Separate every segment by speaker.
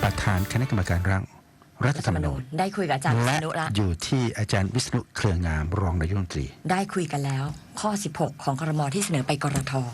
Speaker 1: ประธานคณะกรรมการร่างรัฐธรรมนูญ
Speaker 2: ได้คุยกับอาจารย์วิษณุละ
Speaker 1: อยู่ที่อาจารย์วิษณุเครืองามรองนายกรัฐมนตรี
Speaker 2: ได้คุยกันแล้วข้อ16ของครม.ที่เสนอไปกรท.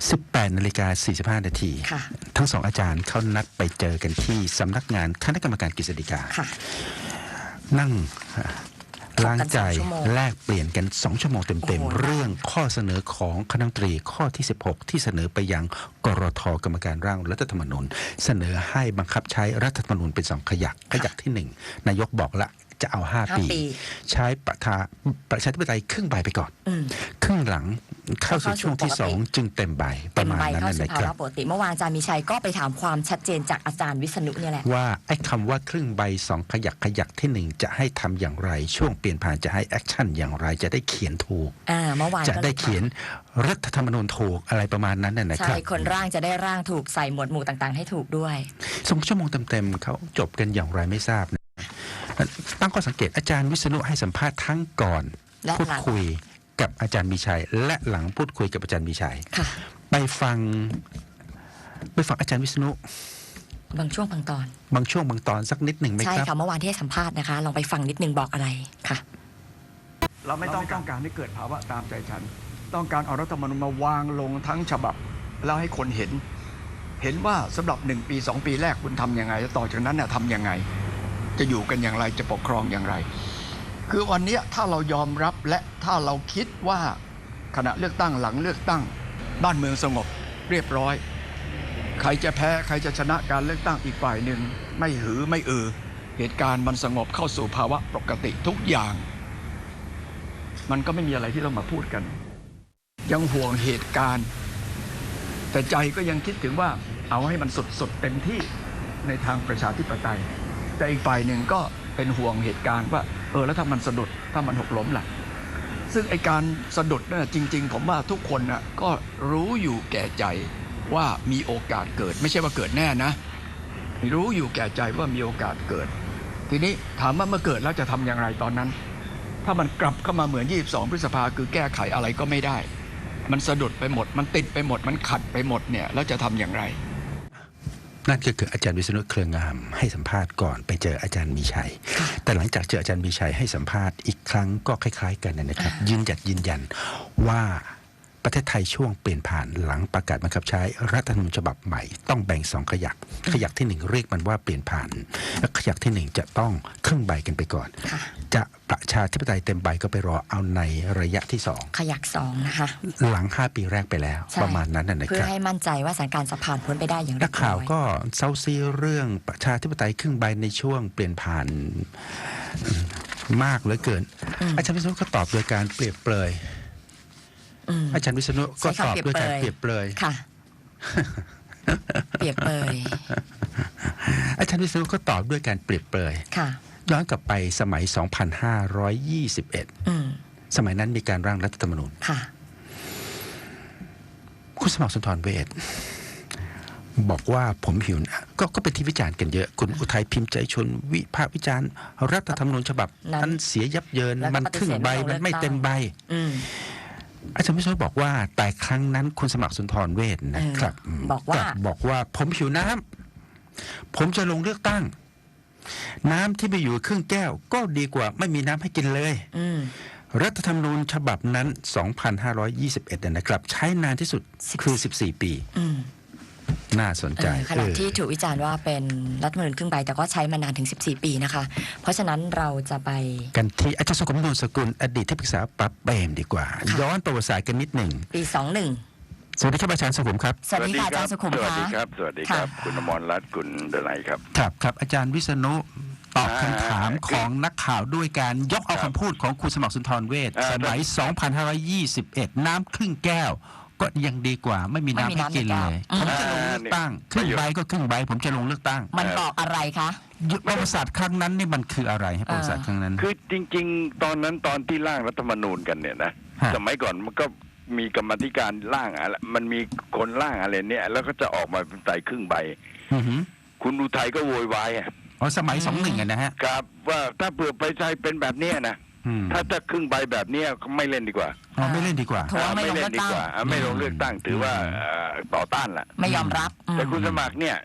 Speaker 1: 18:45 นาทีทั้งสองอาจารย์เขานัดไปเจอกันที่สำนักงานคณะกรรมการกฤษฎีกานั่งล้างใจแลกเปลี่ยนกัน2 ชั่วโมงเต็มๆเรื่องข้อเสนอของคณะรัฐมนตรีข้อที่16ที่เสนอไปยังกรท.กรรมการร่างรัฐธรรมนูญเสนอให้บังคับใช้รัฐธรรมนูญเป็น2 ขยักที่1นายกบอกละจะเอา5 ปีใช้ประชาธิปไตยครึ่งใบไปก่อนครึ่งหลังเข้าสู่ช่วงที่2จึงเต็มใบประมาณนั้นนะครับ
Speaker 2: ปกติเมื่อวานอาจารย์มีชัยก็ไปถามความชัดเจนจากอาจารย์วิษณุเนี่ยแหละ
Speaker 1: ว่าไอ้คำว่าครึ่งใบ2 ขยักที่1จะให้ทำอย่างไรช่วงเปลี่ยนผ่านจะให้แอคชั่นอย่างไรจะได้เขียนถูก
Speaker 2: เมื่อวาน
Speaker 1: จะได้เขียนรัฐธรรมนูญถูกอะไรประมาณนั้นนะครับ
Speaker 2: ใช่คนร่างจะได้ร่างถูกใส่หมวดหมู่ต่างๆให้ถูกด้วย
Speaker 1: 2 ชั่วโมงเต็มๆเขาจบกันอย่างไรไม่ทราบตั้งข้อสังเกตอาจารย์วิษณุให้สัมภาษณ์ทั้งก่อนพูดคุยกับอาจารย์มีชัยและหลังพูดคุยกับอาจารย์มีชัยไปฟังอาจารย์วิษณุ
Speaker 2: บางช่วงบาง
Speaker 1: ตอนสักนิดหนึ่งไหมครับ
Speaker 2: ใช่ค่ะเมื่อวานที่ให้สัมภาษณ์นะคะลองไปฟังนิดนึงบอกอะไรค่ะ
Speaker 3: เราไม่ต้องการให้เกิดภาวะตามใจฉันต้องการเอารัฐธรรมนูญมาวางลงทั้งฉบับแล้วให้คนเห็นว่าสำหรับ1 ปี 2 ปีแรกคุณทำยังไงแล้วต่อจากนั้นเนี่ยทำยังไงจะอยู่กันอย่างไรจะปกครองอย่างไรคือวันนี้ถ้าเรายอมรับและถ้าเราคิดว่าขณะเลือกตั้งหลังเลือกตั้งบ้านเมืองสงบเรียบร้อยใครจะแพ้ใครจะชนะการเลือกตั้งอีกฝ่ายหนึ่งไม่หือไม่เหตุการณ์มันสงบเข้าสู่ภาวะปกติทุกอย่างมันก็ไม่มีอะไรที่ต้องมาพูดกันยังห่วงเหตุการณ์แต่ใจก็ยังคิดถึงว่าเอาให้มันสุดเต็มที่ในทางประชาธิปไตยแต่อีกฝ่ายหนึ่งก็เป็นห่วงเหตุการณ์ว่าแล้วถ้ามันสะดุดถ้ามันหกล้มล่ะซึ่งไอการสะดุดนั่นจริงๆผมว่าทุกคนน่ะก็รู้อยู่แก่ใจว่ามีโอกาสเกิดไม่ใช่ว่าเกิดแน่นะรู้อยู่แก่ใจว่ามีโอกาสเกิดทีนี้ถามว่าเมื่อเกิดแล้วจะทำอย่างไรตอนนั้นถ้ามันกลับเข้ามาเหมือน22 พฤษภาคือแก้ไขอะไรก็ไม่ได้มันสะดุดไปหมดมันติดไปหมดมันขัดไปหมดเนี่ยแล้วจะทำอย่างไร
Speaker 1: นั่นก็คืออาจารย์วิษณุเครืองามให้สัมภาษณ์ก่อนไปเจออาจารย์มีชัยแต่หลังจากเจออาจารย์มีชัยให้สัมภาษณ์อีกครั้งก็คล้ายๆกันนะครับยืนยันว่าประเทศไทยช่วงเปลี่ยนผ่านหลังประกาศบังคับใช้รัฐธรรมนูญฉบับใหม่ต้องแบ่ง2 ขยักที่1เรียกมันว่าเปลี่ยนผ่านและขยักที่1จะต้องครึ่งใบกันไปก่อนจะประชาธิปไตยเต็มใบก็ไปรอเอาในระยะที่2
Speaker 2: ขยัก2นะคะ
Speaker 1: หลัง5 ปีแรกไปแล้วประมาณนั้นนะครับ
Speaker 2: เพื่อให้มั่นใจว่าสถานการณ์จะผ่านพ้นไปได้อย่างเรียบร้อย
Speaker 1: นักข่าวก็เซาซีเรื่องประชาธิปไตยครึ่งใบในช่วงเปลี่ยนผ่านมากเหลือเกินอาจารย์วิษณุก็ตอบโดยการเปรียบเปรยอาจารย์วิษณุก็ตอบด้วยการเปรียบเปรย
Speaker 2: ค่ะเปรียบเปรย
Speaker 1: อาจารย์วิษณุก็ตอบด้วยการเปรียบเปรยย้อนกลับไปสมัย 2521 สมัยนั้นมีการร่างรัฐธรรมนูญคุณสมัครสุนทรเวชบอกว่าผมหิวก็เป็นที่วิจารณ์กันเยอะคุณอุทัยพิมพ์ใจชนวิพากษ์วิจารณ์รัฐธรรมนูญฉบับนั้นเสียยับเยินมันครึ่งใบมันไม่เต็มใบอาจารย์วิษณุบอกว่าแต่ครั้งนั้นคุณสมัครสุนทรเวชนะครับบอกว่าผมหิวน้ำผมจะลงเลือกตั้งน้ำที่ไปอยู่ครึ่งแก้วก็ดีกว่าไม่มีน้ำให้กินเลยรัฐธรรมนูญฉบับนั้น 2521 นะครับใช้นานที่สุดคือ14 ปีน่าสนใจ
Speaker 2: ขณะที่ถูกวิจารณ์ว่าเป็นรัฐธรรมนูญครึ่งใบแต่ก็ใช้มานานถึง14 ปีนะคะเพราะฉะนั้นเราจะไป
Speaker 1: กันที่อาจารย์สุขุมนวลสกุลอดีตที่ปรึกษาปราบเปรมดีกว่าย้อนประวัติศาสตร์กันนิดหนึ่ง
Speaker 2: ปี21
Speaker 1: สวัสดีครับอาจารย์สุขุมครับ
Speaker 2: สวัสดีค่ะอาจารย์สุขุม
Speaker 4: สวัสดีครับสวัสดีครับคุณอมรรัตน์คุณดนัยครับ
Speaker 1: ครับอาจารย์วิษณุตอบคำถามของนักข่าวด้วยการยกเอาคำพูดของคุณสมัครสุนทรเวชสมัย 2521 น้ำครึ่งแก้วก็ยังดีกว่าไม่มีน้ำให้กินเลยผมจะลงเลือกตั้งครึ่งใบก็ครึ่งใบผมจะลงเลือกตั้ง
Speaker 2: มันบอกอะไรคะ
Speaker 1: ประวัติศาสตร์ครั้งนั้นนี่มันคืออะไรประวัติศาสตร์ครั้งนั้น
Speaker 4: คือจริงๆตอนนั้นตอนที่ร่างรัฐธรรมนูญกันเนี่ยนะสมัยก่อนมันก็มีกรรมาธิการร่างอะไรมันมีคนร่างอะไรเนี่ยแล้วก็จะออกมาใส่ครึ่งใบคุณอุทัยก็โวยวาย
Speaker 1: สมัย21นะฮะ
Speaker 4: ครับว่าถ้าเผื่อไปใช้เป็นแบบนี้นะถ้าครึ่งใบแบบนี้ไม่เล่นดีกว่า
Speaker 1: ไม่เล่นดีกว่า
Speaker 4: ไม่เล่นดีกว่าไม่ลงเลือกตั้งถือว่าต่อต้านแหละ
Speaker 2: ไม่ยอมรับ
Speaker 4: แต่คุณสมัครเนี่ย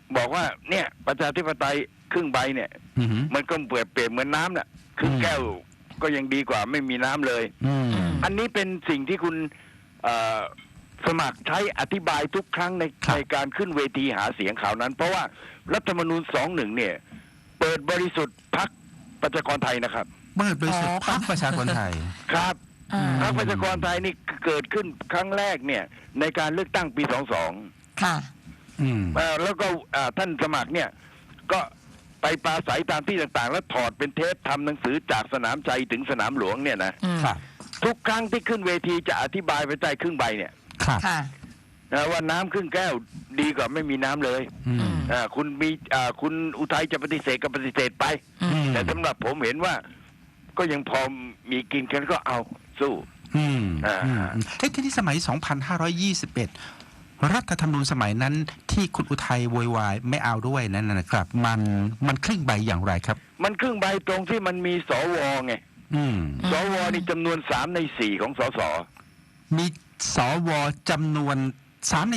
Speaker 4: บอกว่าเนี่ยประชาธิปไตยครึ่งใบเนี่ย
Speaker 1: อือหือ
Speaker 4: มันก็เปรียบเหมือนน้ำน่ะครึ่งแก้วก็ยังดีกว่าไม่มีน้ำเลย
Speaker 1: อืม
Speaker 4: อันนี้เป็นสิ่งที่คุณสมัครใช้อธิบายทุกครั้งใน
Speaker 1: ครับ
Speaker 4: ในการขึ้นเวทีหาเสียงข่าวนั้น เพราะว่ารัฐธรรมนูญ21เนี่ย เปิดบริสุทธิ์พรรคประชากรไทยนะครับ
Speaker 1: เปิดบริสุทธิ์พรรคประชาชนไทย
Speaker 4: ครับ
Speaker 2: อ่า
Speaker 4: พรรคประชากรไทยนี่เกิดขึ้นครั้งแรกเนี่ย ในการเลือกตั้งปี22
Speaker 2: ค่ะ
Speaker 1: อืม
Speaker 4: แล้วก็ท่านสมัครเนี่ยก็ไปปราศัยตามที่ต่างๆ แล้วถอดเป็นเทปทำหนังสือจากสนามชัยถึงสนามหลวงเนี่ยนะ
Speaker 2: อืม
Speaker 1: ครับ
Speaker 4: ทุกครั้งที่ขึ้นเวทีจะอธิบายไปใต้ครึ่งใบเนี่ย
Speaker 1: ครับ
Speaker 2: ค่ะ
Speaker 4: ว่าน้ำครึ่งแก้วดีกว่าไม่มีน้ำเลย
Speaker 1: อืม
Speaker 4: คุณอุทัยจะปฏิเสธก็ปฏิเสธไป
Speaker 2: อืม
Speaker 4: แต่สำหรับผมเห็นว่าก็ยังพอมีกินกันก็เอาสู้
Speaker 1: อืม
Speaker 4: อ่า
Speaker 1: อืมเฮ้ยที่นี่สมัย 2521 รัฐธรรมนูญสมัยนั้นที่คุณอุทัยโวยวายไม่เอาด้วยนั่นนะครับ มันครึ่งใบอย่างไรครับ
Speaker 4: มันครึ่งใบตรงที่มันมีสวไง
Speaker 1: อืม
Speaker 4: สวนี่จำนวน3 ใน 4ของสส
Speaker 1: มีสวจำนวน3 ใน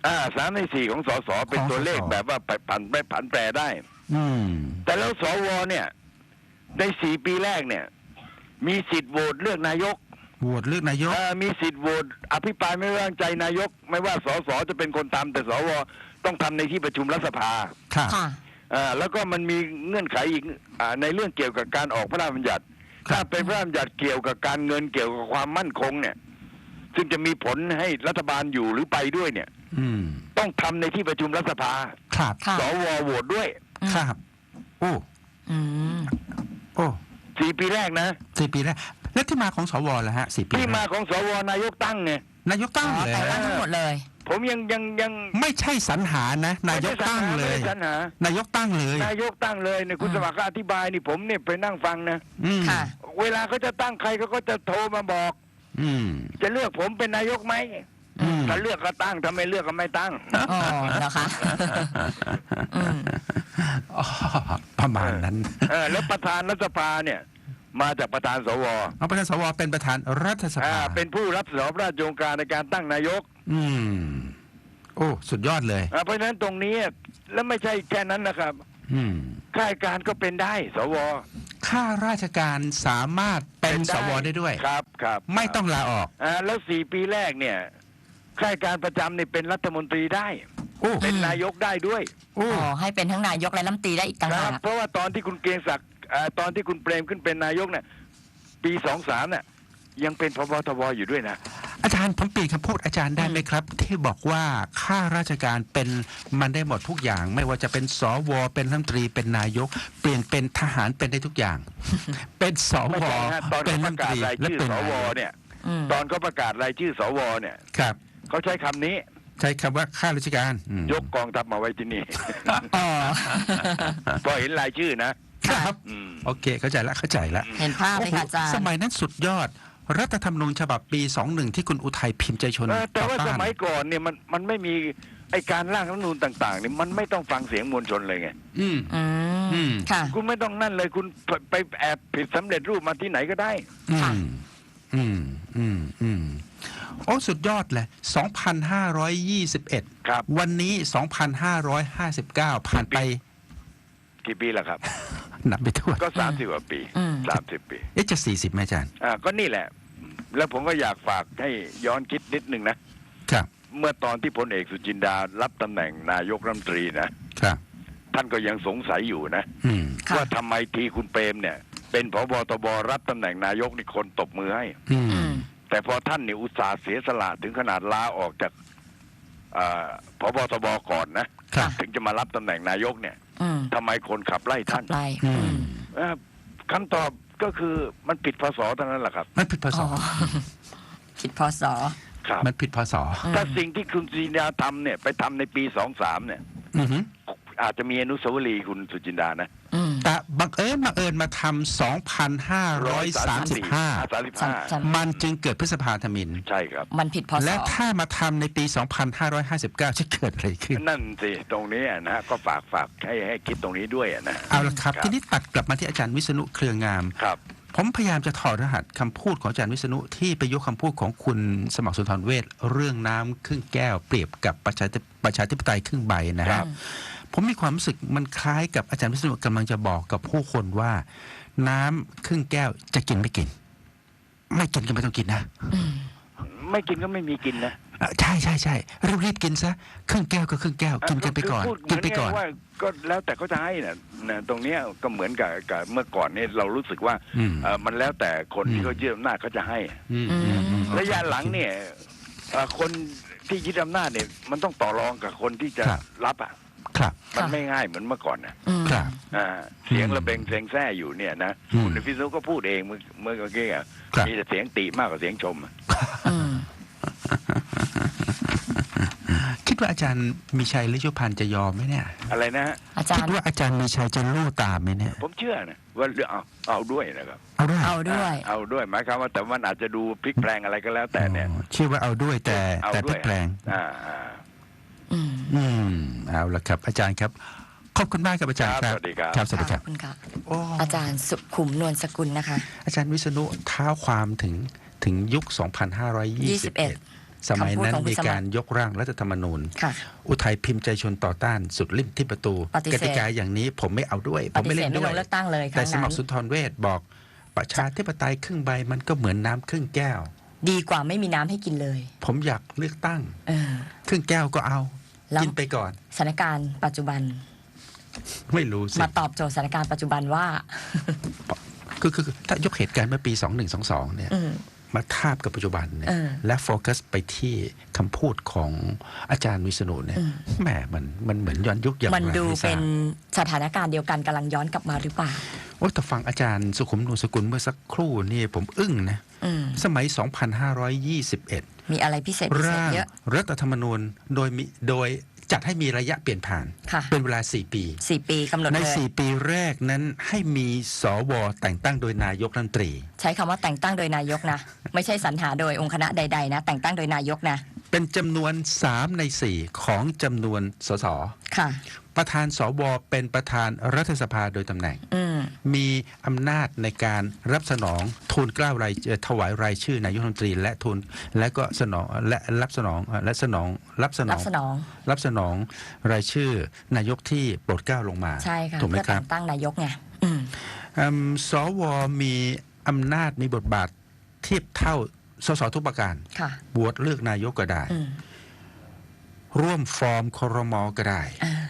Speaker 4: 3 ใน 4ของสสเป็นตัวเลขแบบว่าผันแปรได้
Speaker 1: 4 อืม
Speaker 4: แต่แล้วสวเนี่ยใน4 ปีแรกเนี่ย มีสิทธิ์โหวตเลือกนายก
Speaker 1: โหวตเลือกนายก
Speaker 4: มีสิทธิ์โหวตอภิปรายไม่ไว้วางใจนายก ไม่ว่าสสจะเป็นคนทำแต่สวต้องทำในที่ประชุมรัฐสภา
Speaker 1: ครับ
Speaker 2: ค่ะ
Speaker 4: แล้วก็มันมีเงื่อนไขอีกในเรื่องเกี่ยวกับการออกพระราชบัญญัติ
Speaker 1: ครับ
Speaker 4: ถ้าเป็นพระราชบัญญัติเกี่ยวกับการเงินเกี่ยวกับความมั่นคงเนี่ย ซึ่งจะมีผลให้รัฐบาลอยู่หรือไปด้วยเนี่ย
Speaker 1: อืม
Speaker 4: ต้องทำในที่ประชุมรัฐสภา
Speaker 1: ครับ
Speaker 2: ค่ะ
Speaker 4: สวโหวตด้วย
Speaker 1: ครับ โอ้
Speaker 2: อืม
Speaker 1: โอ้
Speaker 4: 4 ปีแรกนะ
Speaker 1: 4 ปีแล้วแล้วที่มาของสวล่ะฮะ4 ปี
Speaker 4: ที่มาของสวนายกตั้งไง
Speaker 1: นายกตั้ง
Speaker 2: อ๋อ
Speaker 1: เลย
Speaker 2: แต่งตั้งทั้งหมดเลย
Speaker 4: ผมยัง
Speaker 1: ไม่ใช่สรรหานะ นายกตั้งเลย
Speaker 4: ไม่ได้สรรหาน
Speaker 1: ายกตั้งเลย
Speaker 4: นายกตั้งเลยเนี่ยคุณสมัครก็อธิบายนี่ผมเนี่ยไปนั่งฟังนะ
Speaker 1: อืม
Speaker 2: ค่ะ
Speaker 4: เวลาเขาจะตั้งใครเขาก็จะโทรมาบอก
Speaker 1: อืม
Speaker 4: จะเลือกผมเป็นนายกไหม
Speaker 1: อืม
Speaker 4: ถ้าเลือกก็ตั้งถ้าไม่เลือกก็ไม่ตั้ง
Speaker 2: อ๋อนะคะ อืม
Speaker 1: อ๋อประมาณนั้น
Speaker 4: แล้วประธานรัฐสภาเนี่ย มาจากประธานสว
Speaker 1: เอาประธานสวเป็นประธานรัฐสภา
Speaker 4: เป็นผู้รับผิดชอบราชองค์การในการตั้งนายก
Speaker 1: อืม โอ้ สุดยอดเลย
Speaker 4: เพราะฉะนั้นตรงนี้แล้วไม่ใช่แค่นั้นนะครับ
Speaker 1: อืม
Speaker 4: ข้าราชการก็เป็นได้สว
Speaker 1: ข้าราชการสามารถเป็นสวได้ด้วย
Speaker 4: ครับ
Speaker 1: ไม่ต้องลาออก
Speaker 4: แล้ว4 ปีแรกเนี่ยข้าราชการประจำเนี่ยเป็นรัฐมนตรีได้
Speaker 1: โอ้
Speaker 4: เป็นนายกได้ด้วย
Speaker 1: โอ้
Speaker 2: อ๋อ ให้เป็นทั้งนายกและรัฐมนตรีได้อีกต่าง
Speaker 4: ค
Speaker 2: หา
Speaker 4: รับ
Speaker 2: ก
Speaker 4: เพราะว่าตอนที่คุณเกรียงศักดิ์ตอนที่คุณเปรมขึ้นเป็นนายกเนี่ยปี23เนี่ยยังเป็นพบทบอยู่ด้วยนะ
Speaker 1: อาจารย์ผมเปลี่ยนคำพูดอาจารย์ได้ไหมครับ ที่บอกว่าข้าราชการเป็นมันได้หมดทุกอย่าง ไม่ว่าจะเป็นสวเป็นรัฐมนตรีเป็นนายก เปลี่ยนเป็นทหารเป็นได้ทุกอย่าง เป็นส
Speaker 4: ไม่
Speaker 1: ว
Speaker 4: ใช่ฮะตอน
Speaker 1: เป็น
Speaker 4: เขา
Speaker 1: รั
Speaker 4: ป
Speaker 1: ฐม
Speaker 4: ระ
Speaker 1: นต
Speaker 4: กาศ
Speaker 1: รี
Speaker 4: ราย
Speaker 1: และ
Speaker 4: ชื่อ
Speaker 1: เป็น
Speaker 4: ส
Speaker 1: นายวก
Speaker 4: เนี่ย
Speaker 2: อืม
Speaker 4: ตอนเขาประกาศรายชื่อสวเนี่ย
Speaker 1: ครับ
Speaker 4: เขาใช้คำนี้
Speaker 1: ใช้คำว่าข้าราชการอืม
Speaker 4: ยกกองทัพมาไว้ที่นี่
Speaker 2: อ๋อ
Speaker 4: พอเห็นรายชื่อนะครับ อืม
Speaker 1: โอเค เข้าใจละเข้าใจละ
Speaker 2: เห็นภาพเลยค่ะอาจารย์
Speaker 1: สมัยนั้นสุดยอด รัฐธรรมนูญฉบับปี 21 ที่คุณอุทัยพิมพ์ใจชน
Speaker 4: แต่ว่า
Speaker 1: ต่อ
Speaker 4: ส
Speaker 1: ต้าน
Speaker 4: มัยก่อนเนี่ยมันไม่มีไอการร่างรัฐธรรมนูญต่างๆเนี่ยมันไม่ต้องฟังเสียงมวลชนเลยไง
Speaker 1: อืม
Speaker 2: อื
Speaker 1: อื
Speaker 2: ม
Speaker 1: ม
Speaker 2: ค่ะ
Speaker 4: คุณไม่ต้องนั่นเลยคุณไปแอบผิดสำเร็จรูปมาที่ไหนก็ได้
Speaker 1: อื
Speaker 2: ค่ะ
Speaker 1: ม อืม อืม อืม โอ้ สุดยอดเลย 2,521
Speaker 4: ครับ
Speaker 1: วันนี้ 2,559 ผ่านไป
Speaker 4: กี่ปีแล้วครับ
Speaker 1: นับไปทั่ว
Speaker 4: ก็30 กว่าปี
Speaker 2: อืม
Speaker 4: 30 ปี
Speaker 1: เอ๊ะจะ 40ไหมอาจารย์
Speaker 4: ก็นี่แหละ แล้วผมก็อยากฝากให้ย้อนคิดนิดนึงนะ
Speaker 1: ครับ
Speaker 4: เมื่อตอนที่พลเอกสุจินดารับตำแหน่งนายกรัฐมนตรีนะ
Speaker 1: ครับ
Speaker 4: ท่านก็ยังสงสัยอยู่นะ
Speaker 1: อืม
Speaker 2: ค่ะ
Speaker 4: ว่าทำไมทีคุณเปรมเนี่ย เป็นผบตบรับตำแหน่งนายกนี่คนตบมือให้
Speaker 1: อื
Speaker 2: อื
Speaker 1: ม
Speaker 2: ม
Speaker 4: แต่พอท่านเนี่ยอุตส่าห์เสียสละถึงขนาดลาออกจากผบตบก่อนนะครับ ถึงจะมารับตำแหน่งนายกเนี่ย
Speaker 2: อืม
Speaker 4: ทำไมคนขับไล่
Speaker 2: ขั
Speaker 4: ท่า
Speaker 2: บ
Speaker 4: น
Speaker 2: ไล่
Speaker 1: อื
Speaker 2: อื
Speaker 1: ม
Speaker 2: ม
Speaker 4: คำตอบก็คือมันผิดพศเท่านั้นแหละครับ
Speaker 1: มันผิดพศ
Speaker 2: อ๋อ ผิดพศ
Speaker 4: ครับ
Speaker 1: มันผิดพศ
Speaker 2: อืม
Speaker 4: ถ้าสิ่งที่คุณสุจินดาทำเนี่ยไปทำในปี23เนี่ย
Speaker 1: อือหือ
Speaker 4: อาจจะมีอนุสาวรีย์คุณสุจินดานะ
Speaker 2: อืม
Speaker 1: แต่บังเอิญมาทำ 2,535
Speaker 4: 35
Speaker 1: มันจึงเกิดพฤษภาธมิฬ
Speaker 4: ใช่ครับ
Speaker 2: มันผิดพศ
Speaker 1: และถ้ามาทำในปี 2559 จะเกิดอะไรขึ้น
Speaker 4: นั่นสิตรงนี้นะฮะก็ฝากให้คิดตรงนี้ด้วยนะ
Speaker 1: เอาละครับ ทีนี้ตัดกลับมาที่อาจารย์วิษณุเครืองาม
Speaker 4: ครับ
Speaker 1: ผมพยายามจะถอดรหัสคำพูดของอาจารย์วิษณุที่ไปยกคำพูดของคุณสมัครสุนทรเวชเรื่องน้ำครึ่งแก้วเปรียบกับประชาธิปไตยครึ่งใบนะ
Speaker 4: ค
Speaker 1: ค
Speaker 4: รั
Speaker 1: รับ บผมมีความรู้สึกมันคล้ายกับอาจารย์วิษณุกำลังจะบอกกับผู้คนว่า น้ำครึ่งแก้วจะกินไม่กิน ไม่กินก็ไม่ต้องกินนะ
Speaker 4: ไม่กินก็ไม่มีกินนะ
Speaker 1: ใช่รีบกินซะครึ่งแก้วก็ครึ่งแก้วกินกันไปก่อน
Speaker 4: พูด
Speaker 1: กินไปก่อน
Speaker 4: ว่าก็แล้วแต่เขาจะให้นะตรงเนี้ยก็เหมือนกับเมื่อก่อนเนี่ยเรารู้สึกว่ามันแล้วแต่คนที่เขายึดอำนาจเขาจะให้ระยะหลังเนี่ยคนที่ยึดอำนาจเนี่ยมันต้องต่อรองกับคนที่จะรับอ่ะ
Speaker 1: ครับ
Speaker 4: มันไม่ง่ายเหมือนเมื่อก่อนนะครับ เสียงระเบงเสียงแซ่อยู่เนี่ยนะคุณพิษณุก็พูดเองเมื่อกี้อ่ะมีแต่เสียงติมากกว่าเสียงชม
Speaker 1: คิดว่าอาจารย์มีชัยฤชุพันธ์จะยอมไหมเนี่ย
Speaker 4: อะไรนะฮะ
Speaker 2: อาจาร
Speaker 1: คิด
Speaker 2: ย์
Speaker 1: ว่าอาจารย์มีชัยจะลู่ตามไหมเนี่ย
Speaker 4: ผมเชื่อนะว่าเอาด้วยนะครับ
Speaker 1: เอาด้วย
Speaker 2: เอาด้วย
Speaker 4: เอาด้วยหมายความว่าแต่มันอาจจะดูพลิกแปลงอะไรก็แล้วแต่เนี่ย
Speaker 1: เชื่อว่าเอาด้วยแต่
Speaker 4: เอา
Speaker 1: พ
Speaker 4: ด้
Speaker 1: ลิ
Speaker 4: วย
Speaker 1: กแปลง เอาละครับ อาจารย์ครับขอบคุณมากครับอาจารย์ครับ
Speaker 4: สวัสดีครับ
Speaker 1: ครับสวัสดีค
Speaker 2: ข
Speaker 1: รั
Speaker 2: อบ บคุณค่ะ
Speaker 1: โอ้
Speaker 2: อาจารย์สุขุมนวลสกุลนะคะ
Speaker 1: อาจารย์วิษณุเท้าความถึงยุค 2521 สมัยนั้น
Speaker 2: คำพูดของคุณ
Speaker 1: มีการยกร่างรัฐธรรมนูญ
Speaker 2: ค่ะ
Speaker 1: อุทัยพิมพ์ใจชนต่อต้านสุดริมที่ประตู
Speaker 2: ปฏิเสธ
Speaker 1: กติกาอย่างนี้ผมไม่เอาด้วย ผ
Speaker 2: ป
Speaker 1: ม
Speaker 2: ฏิ
Speaker 1: ไม่
Speaker 2: เส
Speaker 1: เล่
Speaker 2: ธ
Speaker 1: น
Speaker 2: ไม่
Speaker 1: ด้
Speaker 2: ล
Speaker 1: วย
Speaker 2: งเลือกตั้งเลยค
Speaker 1: แต่
Speaker 2: รั้ง
Speaker 1: สมั
Speaker 2: นั้
Speaker 1: คน รสุนทรเวชบอกประชาธิปไตยครึ่งใบมันก็เหมือนน้ำครึ่งแก้ว
Speaker 2: ดีกว่าไม่มีน้ำให้กินเลย
Speaker 1: ผมอยากเลือกตั้ง
Speaker 2: เออ
Speaker 1: ครึ่งแก้วก็เอา
Speaker 2: แล้ว
Speaker 1: กินไปก่อน
Speaker 2: สถานการณ์ปัจจุบัน
Speaker 1: ไม่รู้สิ
Speaker 2: มาตอบโจทย์สถานการณ์ปัจจุบันว่า
Speaker 1: คือถ้ายกเหตุการณ์เมื่อปี 2122 เนี่ย มาทาบกับปัจจุบันเนี่ย และโฟกัสไปที่คำพูดของอาจารย์วิษณุเนี่ยแหมมันเหมือนย้อนยุคอย่าง
Speaker 2: มันดู
Speaker 1: ไทราบ
Speaker 2: เป็นสถานการณ์เดียวกันกำลังย้อนกลับมาหรือเปล่า
Speaker 1: โอ้แต่ฟังอาจารย์สุขุมนวลสกุลเมื่อสักครู่นี่ผมอึ้งนะ สมัย 2521
Speaker 2: มีอะไรพิเศษพิเศษ
Speaker 1: ร่าง
Speaker 2: เยอะ
Speaker 1: รัฐธรรมนูญโดยจัดให้มีระยะเปลี่ยนผ่าน
Speaker 2: ค่ะ
Speaker 1: เป็นเวลา 4 ปี
Speaker 2: 4 ปีกำหนด
Speaker 1: ใน
Speaker 2: เลย
Speaker 1: 4 ปีแรกนั้นให้มีสวแต่งตั้งโดยนายกรัฐมนตรี
Speaker 2: ใช้คำว่าแต่งตั้งโดยนายกนะ ไม่ใช่สรรหาโดยองค์คณะใดๆนะ แต่งตั้งโดยนายกนะ
Speaker 1: เป็นจำนวน 3 ใน 4 ของจำนวนสส
Speaker 2: ค่ะ
Speaker 1: ประธานสวเป็นประธานรัฐสภาโดยตำแหน่ง มีอำนาจในการรับสนองทูลเกล้ารายถวายรายชื่อนายกรัฐมนตรีและก็สนองและรับสนองและสนองรับสนองรายชื่อนายกที่โปรดเกล้าลงมา
Speaker 2: ใช่ค่ะ
Speaker 1: ถูกไหม
Speaker 2: เพื่อ
Speaker 1: ครั
Speaker 2: แต่
Speaker 1: บ
Speaker 2: งตั้งนายกไง
Speaker 1: สวมีอำนาจมีบทบาทเทียบเท่าสสทุกประการ
Speaker 2: ค่ะ
Speaker 1: บวชเลือกนายกก็ได้ ร่วมฟอร์มครมก็ได้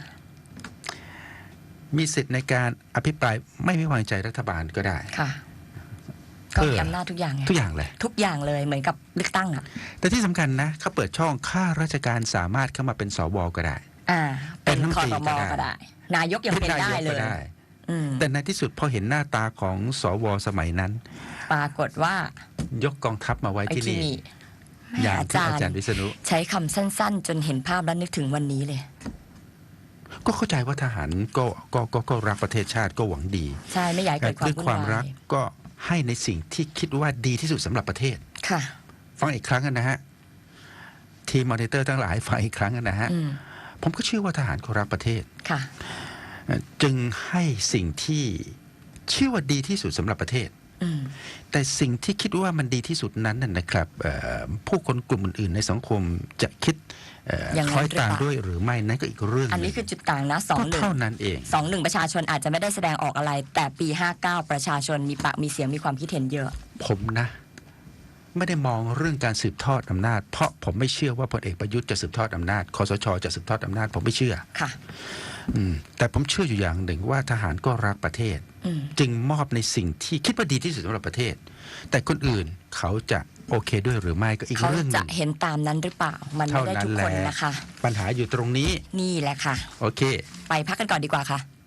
Speaker 1: มีสิทธิ์ในการอภิปรายไม่ไว้วางใจรัฐบาลก็ได้
Speaker 2: ค่ะ ก็มีอำนาจทุกอย่างไง
Speaker 1: ทุกอย่างเลย
Speaker 2: ทุกอย่างเลยเหมือนกับเลือกตั้งอ่ะ
Speaker 1: แต่ที่สำคัญนะเขาเปิดช่องข้าราชการสามารถเข้ามาเป็นสวก็ได้
Speaker 2: เป็น
Speaker 1: เป็นรัฐมน
Speaker 2: คอ
Speaker 1: ตรี
Speaker 2: รม
Speaker 1: ก็ได้
Speaker 2: ก็ได้ นายกยังเป็นได้เลย
Speaker 1: แต่ในที่สุดพอเห็นหน้าตาของสวสมัยนั้น
Speaker 2: ปรากฏว่าย
Speaker 1: กกองทัพมาไว้
Speaker 2: ไอ้
Speaker 1: ที่
Speaker 2: ที่
Speaker 1: นี่
Speaker 2: นี่
Speaker 1: อย่าง
Speaker 2: อา
Speaker 1: ที่
Speaker 2: จาร
Speaker 1: อาจารย์
Speaker 2: ย์
Speaker 1: วิษณุ
Speaker 2: ใช้คำสั้นๆ จนเห็นภาพแล้วนึกถึงวันนี้เลย
Speaker 1: ก็เข้าใจว่าทหารก็รักประเทศชาติก็หวังดี
Speaker 2: ใช่ไม่อยากให้เกิดความ
Speaker 1: ด้วย
Speaker 2: วุ่น
Speaker 1: ความ
Speaker 2: วา
Speaker 1: รัก
Speaker 2: ย
Speaker 1: ก็ให้ในสิ่งที่คิดว่าดีที่สุดสำหรับประเทศ
Speaker 2: ค่ะ
Speaker 1: ฟังอีกครั้งนะฮะทีมมอนิเตอร์ทั้งหลายฟังอีกครั้งนะฮะผมก็เชื่อว่าทหารเขารักประเทศ
Speaker 2: ค่ะ
Speaker 1: จึงให้สิ่งที่เชื่อว่าดีที่สุดสำหรับประเทศ แต่สิ่งที่คิดว่ามันดีที่สุดนั้นน่ะนะครับผู้คนกลุ่มอื่นๆในสังคมจะคิด
Speaker 2: อย่างนั้น
Speaker 1: คล้อยตาม
Speaker 2: หรือเปล่า
Speaker 1: ด้วยหรือไม่นั่นก็อีกเรื่องห
Speaker 2: อัน
Speaker 1: นึ่
Speaker 2: นี้
Speaker 1: ง
Speaker 2: คือจุดต่างนะสอง
Speaker 1: ก็
Speaker 2: หนึ่ง
Speaker 1: เท่านั้นเอง
Speaker 2: 2-1 ประชาชนอาจจะไม่ได้แสดงออกอะไร แต่ปี 59 ประชาชนมีปากมีเสียงมีความคิดเห็นเยอะ
Speaker 1: ผมนะ ไม่ได้มองเรื่องการสืบทอดอำนาจ เพราะผมไม่เชื่อว่าพลเอกประยุทธ์จะสืบทอดอำนาจคสชจะสืบทอดอำนาจผมไม่เชื่อ
Speaker 2: ค่ะ
Speaker 1: แต่ผมเชื่ออยู่อย่างหนึ่งว่าทหารก็รักประเทศ จึงมอบในสิ่งที่คิดว่าดีที่สุดสำหรับประเทศ แต่คนอื่นเขาจะโอเคด้วยหรือไม่ก็อีก
Speaker 2: เขา
Speaker 1: เรื่องห
Speaker 2: จะ
Speaker 1: นึ่ง
Speaker 2: เห็นตามนั้นหรือเปล่า มันไม่
Speaker 1: เท่า
Speaker 2: ได้
Speaker 1: นั้
Speaker 2: ทุ
Speaker 1: น
Speaker 2: ก
Speaker 1: แห
Speaker 2: ค
Speaker 1: ละ
Speaker 2: นนะคะ
Speaker 1: ปัญหาอยู่ตรงนี้
Speaker 2: นี่แหละค่ะ
Speaker 1: โอเค
Speaker 2: ไปพักกันก่อนดีกว่าค่ะ